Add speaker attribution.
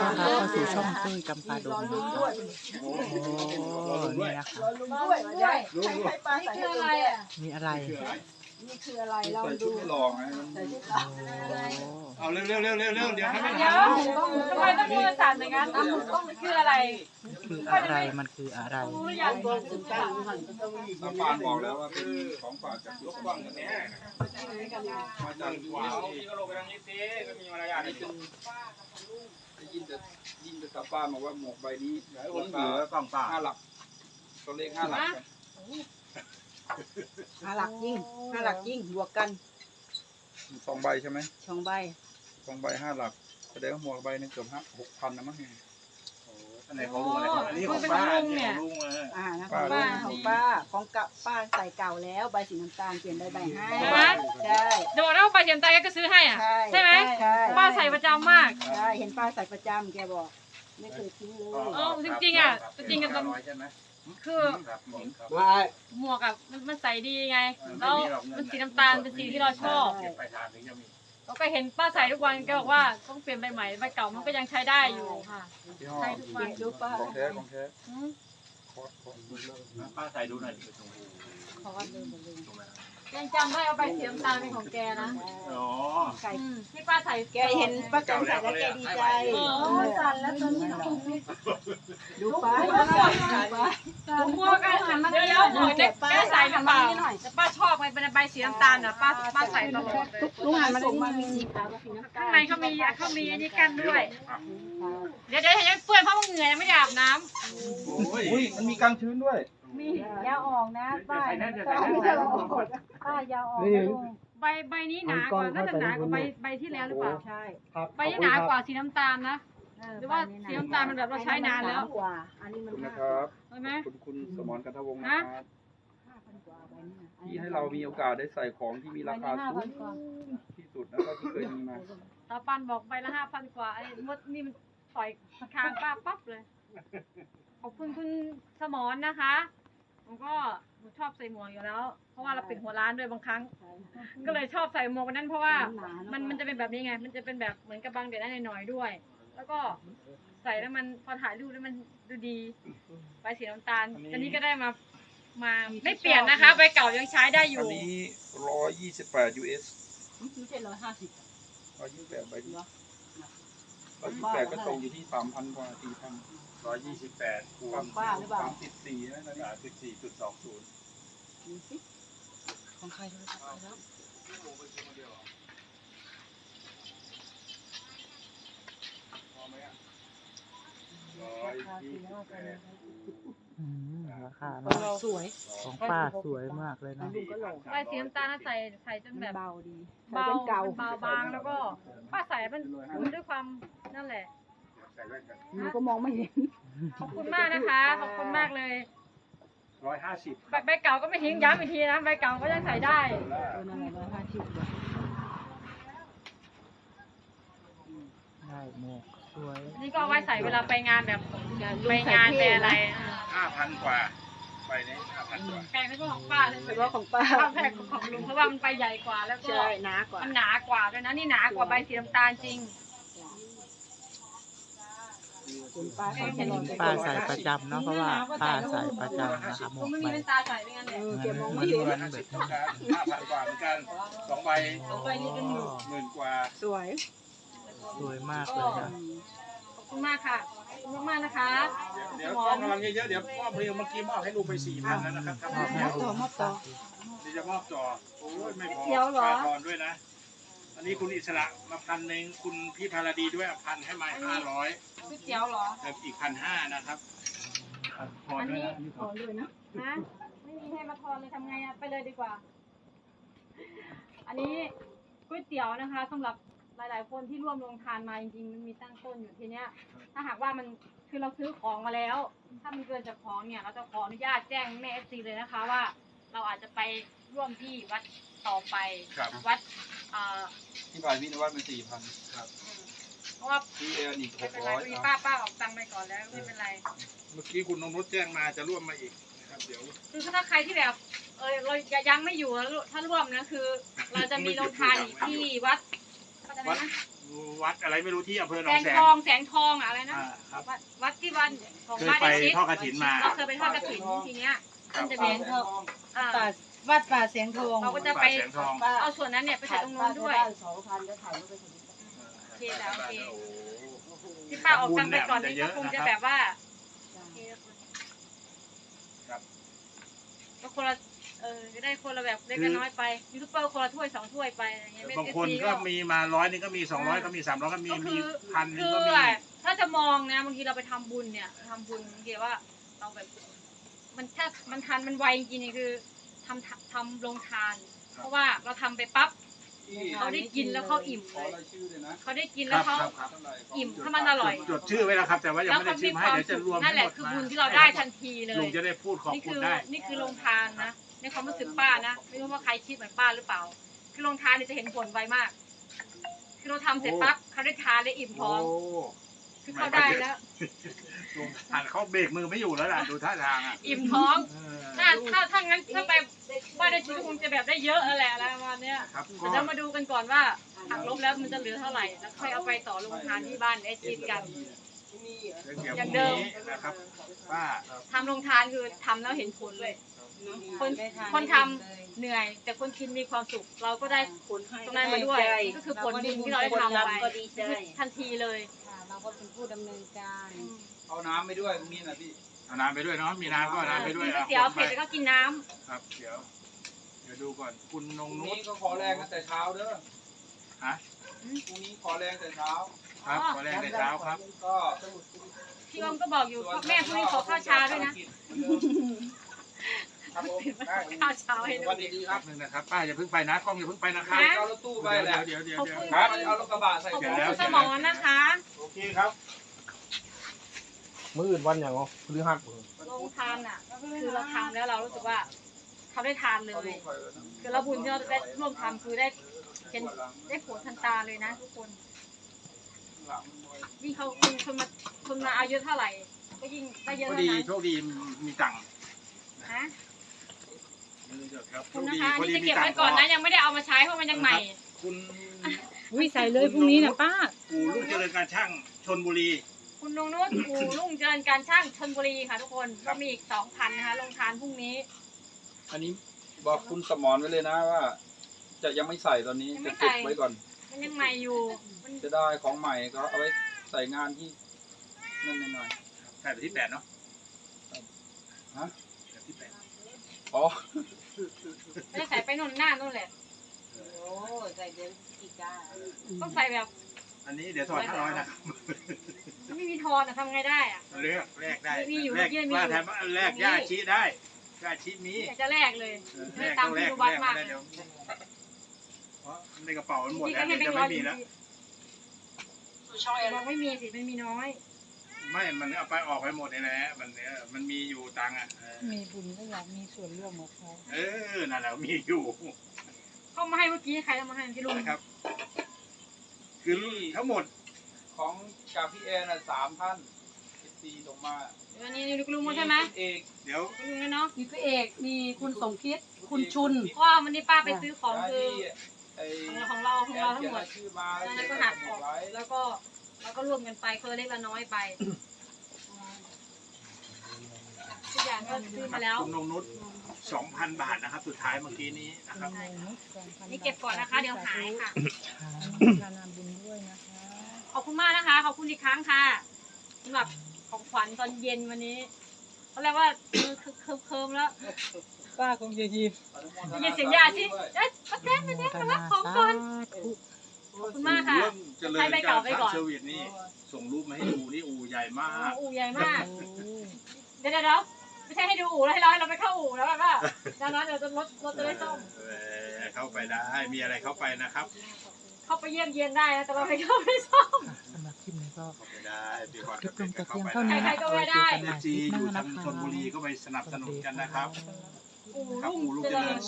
Speaker 1: ต้อนรับเข้าสู่ช่องตุ้ยจำปาดงนะคะโอ้นี่นะคะ
Speaker 2: ให้ปลาใส่ให้อะไรอ่ะ
Speaker 1: มีอะไร
Speaker 2: นี่คืออะไรเรา
Speaker 3: ใส่
Speaker 2: ดู
Speaker 3: ชุดไม่หลอกนะ
Speaker 2: ใส่ชุด
Speaker 3: เอาเร็วเร็วเร็วเร็วเร็วเดี๋ยวให้มัน
Speaker 4: เดี๋ยวทำไมต้องมือสั่นอย่างนั้นต้องคืออะไร
Speaker 1: คืออะไรมันคืออะไร
Speaker 4: รู้หรือยัง
Speaker 3: ตาปานบอกแล้วว่าเป็นของฝากจากลูกบ้างกันแน่มาจากว้าวที่ก็ลงไปทางนี้สิก็มีมารยาทนิดนึงได้ยินแต่ตาปานบอกว่าหมวกใบนี้คนเหนือฝั่งป่า5 หลักตัวเลข5 หลัก
Speaker 2: 5 หลักยิ่ง5 หลักยิ่งบวกกัน
Speaker 3: 2 ใบใช่ไหม
Speaker 2: 2 ใบ
Speaker 3: 2 ใบ 5 หลักแสดงว่าหมวกใบนึงเกือบ6,000นะมั้ง
Speaker 5: อันไหนของลุงอะไรของอันนี้ของป้าอันนี้ของลุงเลย
Speaker 2: นะของป้าของป้าของกับป้าใส่เก่าแล้วใบสีน้ำตาลเปลี่ยนได้ใบให้ใช่
Speaker 4: เดี๋ยวบอกนะว่าปลาเทียมตายแกก็ซื้อให้อ่ะใช่ไหม
Speaker 2: ใช่
Speaker 4: ป้าใส่ประจำมาก
Speaker 2: ใช่เห็นป้าใส่ประจำแกบอกไม่เคยทิ้งเลย
Speaker 4: เออจริงๆอ่ะจริงๆกันตอน
Speaker 5: ใช่ไหม
Speaker 4: คือ
Speaker 5: ครับผมครับ
Speaker 4: หมวกอ่ะมันใส่ดีไงแล้วมันสีน้ำตาลเป็นสีที่เราชอบ
Speaker 5: เก็บไปทานถึงจะมี
Speaker 4: เราก็เห็นป้าใส่ทุกวันแกบอกว่าต้องเปลี่ยนใบใหม่ใบเก่ามันก็ยังใช้ได้อยู่ค่ะ
Speaker 3: ที่ห้อ
Speaker 4: ใช้ทุกวัน
Speaker 2: ดูป้า
Speaker 3: ของแท้ของแท้
Speaker 4: อืม
Speaker 5: ป้าใส่ดูหน่อยดิตรง
Speaker 4: ขอว่าลืม
Speaker 5: ตรงไหน
Speaker 4: ยังจำได้เอาใบสีน้ำตาลเป็นของแกนะ
Speaker 5: อ๋อ
Speaker 2: ไก่
Speaker 4: ที่ป้าใส่
Speaker 2: แกเห็นป้าแตนใส่แล้วแกดีใจสั่นแล้วตอนนี้ดูป้า
Speaker 4: หมวกกันหันมาเดียวหมวกเนี่ยแกใส่หรือเปล่าแต่ป้าชอบไงเป็นใบสีน้ำตาลอ่ะป้าใส่ตลอดเลย
Speaker 2: ลุงหันมาดูมีสีขาวกับสีน้ำตา
Speaker 4: ข้าง
Speaker 2: ล
Speaker 4: ในเขามีอันนี้กั้นด้วย เดี๋ยวยังเปื้อนเพราะว่าเหงื่อยังไม่ได้อาบน้
Speaker 3: อุ้ยมันมีกางชื้นด้วย
Speaker 4: ำมี
Speaker 2: ยาออกนะป้า
Speaker 5: ใส่นั่นจะใส่
Speaker 2: ไม่
Speaker 5: นั่
Speaker 2: ใช่
Speaker 5: น
Speaker 2: ป้ายาออก
Speaker 4: ใบนี้หนากว่าน่าจะหนากว่าใบที่แล้วหรือเปล่า
Speaker 2: ใช่
Speaker 4: ใบนี้หนากว่าสีน้ำตาลนะหรือว่าสีน้ำตาลมันแบบเราใช้นานแล้ว
Speaker 2: กว่าอันนี้
Speaker 3: ข
Speaker 2: มั
Speaker 3: อบ
Speaker 2: น
Speaker 3: คุณนะครับ
Speaker 4: ใช่ไหม
Speaker 3: คุณสมรกันทวงศ์นะครับ
Speaker 2: 5,000 กว่าใบนี้
Speaker 3: ที่ให้เรามีโอกาสได้ใส่ของที่มีราคาสูงที่สุดแล้วก็ที่เคยมีมา
Speaker 4: ตาปันบอกใบละ5,000 กว่าไอ้มดนี่มันต่อยคางป้าปั๊บเลยขอบคุณคุณสมรนะคะผมก็ชอบใส่หมวกอยู่แล้ว เพราะว่าเราปิดหัวร้านด้วยบางครั้ง ก็เลยชอบใส่หมวกวันนั้นเพราะว่ามันจะเป็นแบบนี้ไง มันจะเป็นแบบเหมือนกับบังแดดได้หน่อยๆด้วย แล้วก็ใส่แล้วมันพอถ่ายรูปแล้วมันดูดีใบสีน้ำตาลอันนี้ก็ได้มาไม่เปลี่ยนนะคะใบเก่ายังใช้ได้อ
Speaker 3: อั
Speaker 4: ยู่
Speaker 3: นนี้128 US
Speaker 2: ไม่ใช่150
Speaker 3: 128ใบนี้128ก็ตกอยู่ที่ 3,000 กว่า 4,000
Speaker 5: 128คูณ
Speaker 2: ป้าหรือเปล่า
Speaker 3: 34นะนี่
Speaker 5: 34.20
Speaker 2: ดูสิของใครโทรศัพท์ไปแล้ว
Speaker 1: อืมราคา
Speaker 2: สวย
Speaker 1: ของป้าสวยมากเลยนะ
Speaker 2: ลุงก็หลง
Speaker 4: ใบสีน้ำตาลน่ะใส่จนแบบ
Speaker 2: เบาดี
Speaker 4: เบา
Speaker 2: เก่า
Speaker 4: เบาบางแล้วก็ป้าใส่มันด้วยความนั่นแหละ
Speaker 5: ใส่แว่นกัน
Speaker 2: หนูก็มองไม่เห็น
Speaker 4: ขอบคุณมากนะคะขอบคุณมากเลย
Speaker 5: 150
Speaker 4: ใบเก่าก็ไม่ทิ้งย้ำอีกทีนะใบเก่าก็ยังใส่ได้
Speaker 2: นั่นแหละ150
Speaker 1: ได้หมวกสวย
Speaker 4: นี่ก็เอาไว้ใส่เวลาไปงานแบบไปงานไปอะไร
Speaker 5: 5,000 กว่าไปนี้ 5,000 กว่า
Speaker 4: แพงก็ของป้าเลย
Speaker 2: เฉพาะของป้า
Speaker 4: ข้าวแพงของลุงเพราะว่ามันไปใหญ่กว่าแล้วก็
Speaker 2: ใช่หนากว่า
Speaker 4: มันหนากว่าด้วยนะนี่หนากว่าใบสีน้ำตาลจริง
Speaker 2: คุณป้าใส่ตลอด
Speaker 1: ป้าใส่ประจำเนาะเพราะว่าป้าใส่ประจำนะคะหม
Speaker 4: ลุ
Speaker 1: ว
Speaker 4: ง
Speaker 1: ก
Speaker 4: ไม่
Speaker 1: ใบ
Speaker 4: มีเป็นตาใส่ไม่งั้นเลย
Speaker 2: แกมองไม่เห็น
Speaker 5: 5,000 กว่าเหมือนกัน2ใบ
Speaker 4: ใบนี้เป็นหมื่น
Speaker 5: 10,000 กว่า
Speaker 2: สวย
Speaker 1: สวยมากเลยนะ
Speaker 4: ขอบคุณมากค่ะขอบคุณมากๆนะคะ
Speaker 5: เดี๋ยวต้องกำลังเยอะๆเดี๋ยวมอบเพลงเมื่อกี้มอบให้ลุงไป 4,000 แล้วนะครับ
Speaker 2: มอบต่อ
Speaker 5: เดี๋ยวจะมอบต่อโอ้ยไม่พอ
Speaker 4: เดี๋ยวเหรอ
Speaker 5: ค่าทอนด้วยนะ อันนี้คุณอิสระมา1,000คุณพี่พาราดีด้วย1,000ให้มา500
Speaker 4: ก๋วยเตี๋ยวเหรอ
Speaker 5: แล้วอีก1,500นะครับทอนด้วยนะ
Speaker 2: ขอด้วยนะ
Speaker 4: ฮะไม่มีให้มาทอนเลยทำไงอะไปเลยดีกว่า อันนี้ก๋วยเตี๋ยวนะคะสำหรับหลาย ๆ คนที่ร่วมลงทานมาจริง ๆ มันมีตั้งต้นอยู่ทีเนี้ย ถ้าหากว่ามันคือเราซื้อของมาแล้ว ถ้ามันเกินจากของเนี่ย เราจะขออนุญาตแจ้งแม่เอฟซีเลยนะคะว่า เราอาจจะไปร่วมที่วัดต่อไป
Speaker 5: ครับ
Speaker 4: วัด
Speaker 3: ที่บ่ายพี่นวัดเป็น4,000
Speaker 5: ครับ
Speaker 4: เพราะว่า
Speaker 3: ที่เอร์อีก
Speaker 4: ไม่เป็นไร
Speaker 3: 600
Speaker 4: มี
Speaker 3: เอา
Speaker 4: ป้าออกตังค์ไปก่อนแล้วไม่เป็นไร
Speaker 5: เมื่อกี้คุณนงนุชแจ้งมาจะร่วมมาอีกนะครับเดี๋ยว
Speaker 4: คือถ้าใครที่แบบเรายังไม่อยู่แล้วถ้าร่วมนะคือ เราจะมีโรงทานอีกที่วัดอะไรนะ
Speaker 5: วัดอะไรไม่รู้ที่อำเภอหน
Speaker 4: แส
Speaker 5: อง
Speaker 4: ง
Speaker 5: แสง
Speaker 4: ทองแสงทองอะไรนะ
Speaker 5: ครับ
Speaker 4: วัดที่วันของ
Speaker 5: เคย
Speaker 4: บ้าน
Speaker 5: ไป
Speaker 4: ไอชิด
Speaker 5: ทอดกฐินมา
Speaker 4: เราเคยไปทอดกฐินทีเนี้ยมันจะมี อ่า
Speaker 2: วัดป่าเสียงทอง
Speaker 4: เราก็จะไป
Speaker 5: แสงทอง
Speaker 4: เอาส่วนนั้นเนี่ยไปใส่ตรงนู้นด้วย
Speaker 2: 2,000ก็ถ่ายรูปไปถึง
Speaker 4: โอเคแล้วโอเค
Speaker 5: โอ้
Speaker 4: ที่ป้าออกตังค์ไปก่อนนี่ก็คงจะแบบว่า
Speaker 5: ครับ
Speaker 4: ก็คนละจะได้คนละแบบเล็กกับน้อยไปยูทูบเบอร์คนละถ้วย2 ถ้วยไปอะไรเงี้ย
Speaker 5: บางคนก็มีมา100นึงก็มี200ก็มี300ก็มี
Speaker 4: ก็
Speaker 5: มี
Speaker 4: คือ
Speaker 5: พันนึ
Speaker 4: คื
Speaker 5: ง
Speaker 4: อ
Speaker 5: ก็มี
Speaker 4: ถ้าจะมองนะบางทีเราไปทำบุญเนี่ยทำบุญบางทีว่าเราแบบมันถ้ามันทันมันไวจริงๆนี่คือทำลงทาน เพราะว่าเราทำไปปั๊บเขาได้กินแล้วเขาอิ่ม
Speaker 3: ขอ
Speaker 4: เลย
Speaker 3: รายชื่อเลยนะ
Speaker 4: เขาได้กินแล้วเขา
Speaker 5: ครับ
Speaker 4: อิ่มถ้ามันอร่อย
Speaker 5: จดชื่อไว้แล้วครับ แต่ว่ายัง
Speaker 4: แล้ว
Speaker 5: ไม่
Speaker 4: เขา
Speaker 5: ได้ชิ
Speaker 4: มี
Speaker 5: ม
Speaker 4: ค
Speaker 5: ให้
Speaker 4: วาม
Speaker 5: เดี๋ยวจะ
Speaker 4: สุข
Speaker 5: รวม
Speaker 4: นั่นแหละ
Speaker 5: ทั้ง
Speaker 4: คือ
Speaker 5: ม
Speaker 4: บุญที่เราได้ทันทีเลย
Speaker 5: ลุงจะได้พูดขอบ
Speaker 4: นี่
Speaker 5: คุ
Speaker 4: คื
Speaker 5: ณ
Speaker 4: อ
Speaker 5: ได้
Speaker 4: นี่คือลงทานนะในความรู้สึกป้านะไม่รู้ว่าใครคิดเหมือนป้าหรือเปล่า คือลงทานเนี่ยจะเห็นผลไวมาก คือเราทำเสร็จปั๊บเขาได้ทานได้อิ่มท้
Speaker 5: โอ้
Speaker 4: อง คือเขาได้แล้ว
Speaker 5: ลุงหันเขาเบรกมือไม่อยู่แล้วล่ะดูท่าทางอ่ะ
Speaker 4: อิ่มท้อง
Speaker 5: เออ
Speaker 4: ถ้างั้นถ้าไปบ้านได้ชีวิตคงจะแบบได้เยอะแหละอะไรประมาณเนี้ย
Speaker 5: ครับ
Speaker 4: แต่เรามาดูกันก่อนว่าหักลบแล้วมันจะเหลือเท่าไหร่แล้วค่อยเอาไปต่อลงทานที่บ้านไอจีกัน อย่างเดิม
Speaker 5: นะครับป้า
Speaker 4: ทำลงทานคือทำแล้วเห็นผลเลย คนทำเหนื่อย แต่คนกินมีความสุข เราก็ได้ผลตรงนั้นมาด้วยก็คือผลบุญที่เราได้ทำไปทันทีเลย
Speaker 2: เราก็เป็นผู้ดำเนินการ
Speaker 3: เอาน้ำไปด้วยตรงนี้นะพี่
Speaker 5: เอาน้ำไปด้วยเนาะมีน้ำก็เอาน้ำไปด้วย
Speaker 4: กินก๋วยเตี๋ยวเผ็ดแล้วก็กินน้ำ
Speaker 5: ครับเดี๋ยวดูก่อนคุณนง
Speaker 3: พรุ่ง
Speaker 5: นุ
Speaker 3: นี้
Speaker 5: ช
Speaker 3: ก็ขอแรงกันแต่เช้าเด้อ
Speaker 5: ฮะ
Speaker 3: พรุ่งนี้ขอแรงแต่เช้า
Speaker 5: ครับขอแรงแต่เช้าครับ
Speaker 3: ก็
Speaker 4: พี่อมก็บอกอยู่พ่อแม่พรุ่งนี้ขอข้าวเช้าด้วยนะ
Speaker 3: ครับผม
Speaker 4: ข้าวเช้าให้
Speaker 3: ส
Speaker 4: ด้
Speaker 3: วั
Speaker 4: ว
Speaker 3: ส
Speaker 4: ย
Speaker 3: ดีครับ
Speaker 5: หนึ่งนะครับป้าอย่าเพิ่งไปนะกล้องอย่าเพิ่งไปนะครับ
Speaker 4: นะ
Speaker 3: เอารถตู้ไปแหละ
Speaker 5: เดี๋ยว
Speaker 4: ขอบคุณ
Speaker 3: ครับเอารถกระบะใส่
Speaker 4: ขอบ
Speaker 3: ข
Speaker 4: คุ
Speaker 3: อง
Speaker 4: ณคุณสมรนะคะ
Speaker 5: โอเคครับ
Speaker 1: มื้ออื่นวันอย่างพฤหัส
Speaker 4: ลงทานอ่ะคือเราทำแล้วเรารู้สึกว่าเขาได้ทานเลย คือเราบุญที่เราได้ร่วมทำคือได้เห็นได้ผลทันตาเลยนะทุกคนยิ่งเขาคนมาเอาเยอะเท่าไหร่ ก็ยิ่งได้เยอะ
Speaker 5: โชค
Speaker 4: เท่า
Speaker 5: ดี
Speaker 4: นั้น
Speaker 5: โชคดีมีตังค์
Speaker 4: นะ
Speaker 5: ครับ
Speaker 4: คุณนะคะนี่จะเก็บไว้ก่อนนะยังไม่ได้เอามาใช้เพราะมันยังใหม่
Speaker 5: คุณ
Speaker 2: วิใส่เลยพรุ่งนี้นะป้า
Speaker 5: ปู่ลูกเจริญการช่างชนบุรี
Speaker 4: คุณนงนุชอู่รุ่งเจริญการช่างชลบุรีค่ะทุกคนก็มีอีก 2,000 นะคะลงทานพรุ่งนี้
Speaker 3: อันนี้บอกคุณสมรไว้เลยนะว่า จะยังไม่ใส่ตอนนี้
Speaker 4: ยังไม่
Speaker 3: จะ
Speaker 4: ใส่
Speaker 3: เก็บไว้ก่อน
Speaker 4: มันยังใหม่อยู่มัน
Speaker 3: จะได้ของใหม่ก็เอาไว้ใส่งานที่นั่นหน่อย
Speaker 5: ใช่ไปที่8เนาะ
Speaker 3: ฮะ
Speaker 5: แบบที่
Speaker 3: อ๋อ
Speaker 4: ไม่ได้ใส่ไปนู่นหน้านู่นแหละ
Speaker 2: โอ้ใส่เดือนกีกา
Speaker 4: ต้องใส่แบบ
Speaker 5: 8อันนี้เดี๋ยวถอด500นะครับ
Speaker 4: ไม่มีทอนอะทำไงได้อะ
Speaker 5: เลือกแลกได้
Speaker 4: มีอยู่
Speaker 5: แลก
Speaker 4: เมื่อกี้มีอยู่
Speaker 5: ว่าแถมแลกย่าชี้ได้ย่าชี้มี
Speaker 4: อยากจะแลกเลย
Speaker 5: แล
Speaker 4: ไม่
Speaker 5: ก
Speaker 4: ตาม
Speaker 5: ต้องแล
Speaker 4: ที่
Speaker 5: ก
Speaker 4: ดูวัด
Speaker 5: แลก
Speaker 4: มาก
Speaker 5: ไม่
Speaker 4: เล
Speaker 5: ได้
Speaker 4: ย
Speaker 5: เดี๋ยวเพราะในกระเป๋ามันหมด
Speaker 4: นี่
Speaker 5: แล้
Speaker 4: ก็
Speaker 5: ว
Speaker 4: ให้
Speaker 5: เดี๋ยว
Speaker 4: แบง
Speaker 5: จะ
Speaker 4: ค์ร้
Speaker 5: ไม่
Speaker 4: อย
Speaker 5: มีแล้ว
Speaker 4: บอกไม่มีสิมันมีน้อย
Speaker 5: ไม่มันเอาไปออกไปหมดนี่แหละมันมีอยู่ตังค์อ่ะ
Speaker 2: มีบุญก็อยากมีส่วนร่วมกับเขา
Speaker 5: นั่นแหละมีอยู่
Speaker 4: เข้ามาให้เมื่อกี้ใครเอามาให้ที่ลุง
Speaker 5: นะครับ คือทั้งหมด
Speaker 3: ของจากพี่แอนน่ะ3 ท่าน14ส่งมา
Speaker 4: อันนี้ลุงหมดใช่ไหม
Speaker 3: คุณเอก
Speaker 5: เดี๋ยว
Speaker 4: ลุงนะเนาะ
Speaker 2: มีพี่เอกมีคุณสมคิดคุณชุน
Speaker 4: เพราะว่าวันนี้ป้าไปซื้อของคือ
Speaker 3: ไอ้
Speaker 4: ของเราทั้งหมด
Speaker 3: ชื่อมา
Speaker 4: แล้วก็หักออกแล้วก็รวมกันไปคนละเล็กละน้อยไปทุกอย่างก็ซื้อมาแล้ว
Speaker 5: คุณนงนุช 2,000 บาทนะครับ สุดท้ายเมื่อกี้นี้นะครับ
Speaker 4: นี่เก็บก่อนนะคะ เดี๋ยวหายค่ะ
Speaker 2: ทานบุญด้วยนะคะ
Speaker 4: ขอบคุณมากนะคะ ขอบคุณอีกครั้งค่ะสำหรับของขวัญตอนเย็นวันนี้เขาเรียกว่ามือเคิมแล้ว
Speaker 2: ป้าคงจะยิ้ม
Speaker 4: ได้ยินเสียงยาสิเอ๊ะป้าแต้มมารับของก่อนขอบคุณมากค่ะ
Speaker 5: เริ่มเจริญ
Speaker 4: ให้ไป
Speaker 5: การ
Speaker 4: ไปก่อน
Speaker 5: เซอร์วิสนี่ส่งรูปมาให้ดูนี่อูใหญ่มาก
Speaker 4: อู่ใหญ่มาก เดี๋ยวไม่ใช่ให้ดูอู่แล้วให้เราไปเข้าอู่แล้วแบบว่าดังนั้นเดี๋ยวรถจะได้ซ่อม
Speaker 5: เข้าไปได้มีอะไรเข้าไปนะครับ
Speaker 4: เข้าไปเยี่ยมเยียนได้นะแต่เราไม่เข้าไปซ่อม
Speaker 1: สำหรับคลิปนี้ก็
Speaker 5: เข้าไปได้ปีก่อน
Speaker 1: จบลงแต่เพียงเท่านี้
Speaker 4: ใครๆก็ไม่ได้
Speaker 1: เจอกันใหม่คลิปห
Speaker 5: อยู่
Speaker 1: น้า
Speaker 5: ทา
Speaker 1: นะ
Speaker 5: ง
Speaker 1: คะ
Speaker 5: ชลบุรีก็ไปสนับสนุนกันนะครับ
Speaker 4: อู่
Speaker 5: ครับ
Speaker 4: รุ่ง
Speaker 5: อู่ลูก
Speaker 4: เจ
Speaker 5: เจ
Speaker 4: ริ
Speaker 5: ริ
Speaker 4: ญ
Speaker 5: ญ